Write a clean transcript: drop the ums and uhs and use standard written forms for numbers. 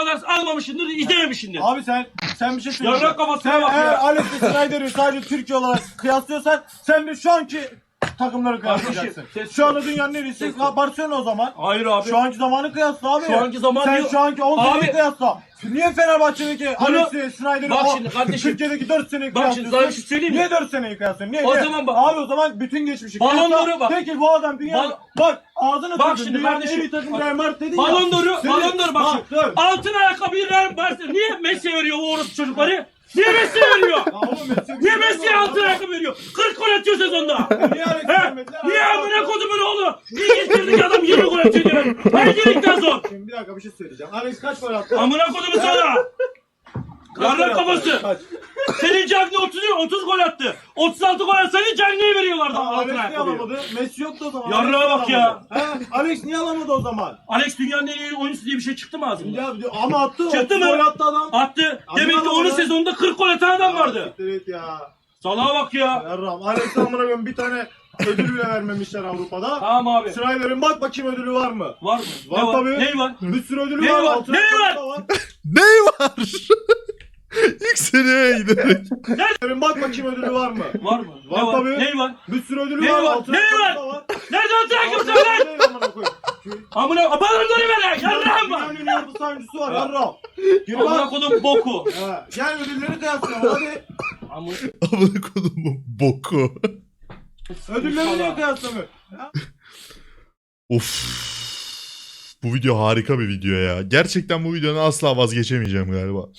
kadar almamışsındır, izlememişsindir. Abi sen bir şey söyleyeceğim. Yarrak kafasına Sen bak eğer ya. Alex ve Snyder'i sadece Türkiye olarak kıyaslıyorsan sen de şu anki takımları kıyaslayacaksın. Kardeşim, Şu anda dünyanın en iyisi Barcelona o zaman. Hayır abi. Şu anki zamanı kıyasla abi. Şu anki zaman sen diyor. şu anki 10 seneyi Abi- kıyasla. Niye Fenerbahçe'deki Bunu- Alex'i, Snyder'i Bak o şimdi kardeşim. Türkiye'deki 4 seneyi Bak şimdi sana bir şey söyleyeyim mi? Niye 4 seneyi kıyaslıyorsun? Niye? O Niye? zaman bak- Abi o zaman bütün geçmişi Ballon kıyasla. d'Or'u bak. Peki bu adam dünya... Bak ağzını Bak tutun. şimdi Dünyanın kardeşim. en iyi takım Real Madrid dedin ya. Ballon d'Or'u, Senin- Ballon d'Or bak şimdi. dur. Altın ayakkabıyı Real Barcelona. Niye Messi veriyor o orospu çocukları? Niye Messi veriyor? Ya oğlum Messi- Niye Messi'ye altın ayakkabı veriyor? 40 gol atıyor sezonda. Niye Alex'i He? vermediler? Niye amına kodumun oğlu? Niye getirdik adam 20 gol atıyor diyor. Her ligden zor. Şimdi bir dakika bir şey söyleyeceğim. Alex kaç gol attı? Amına kodumun sana. Yarrak kafası. Kaç? Senin Cagney 30 gol attı. 36 gol atsa senin Cagney'i veriyorlardı altın Alex niye ayakkabıyı. alamadı? Messi yoktu o zaman. Yarrağa Alex bak niye ya. alamadı? He? Alex niye alamadı o zaman? Alex dünyanın en iyi oyuncusu diye bir şey çıktı mı ağzından? Ya, ama attı. Çıktı 30 mı? Gol attı adam. Attı. Abi Demek ki alamadı. onun sezonunda 40 gol atan adam vardı. Evet ya. Salaha bak ya. Yarram. Alex'e amına koyayım bir tane ödül bile vermemişler Avrupa'da. Tamam abi. Snyder'in bak bakayım ödülü var mı? Var mı? Var Ne var? tabii. Ne var? Bir sürü ödülü Ne var. var? Altın Ne ayakkabı var? da Ney var? Yükseliyor giderek. Snyder'in bak bakayım ödülü var mı? Var mı? Var Ne var? tabii. Ne var? Bir sürü ödülü Ne var. var? Altın Ne ayakkabı var? da var. Nerede altın ayakkabı Altın sen lan? ayakkabı değil amına koyayım. Amına balonları ver ya. Yarrağım var. Dünyanın en iyi orta oyuncusu var. Yarram. Gir Amına bak. kodum boku. Ha, gel ödülleri kıyaslayalım hadi. Amına Amına kodumun boku. Ödülleri niye kıyaslamıyor? Of. Bu video harika bir video ya. Gerçekten bu videodan asla vazgeçemeyeceğim galiba.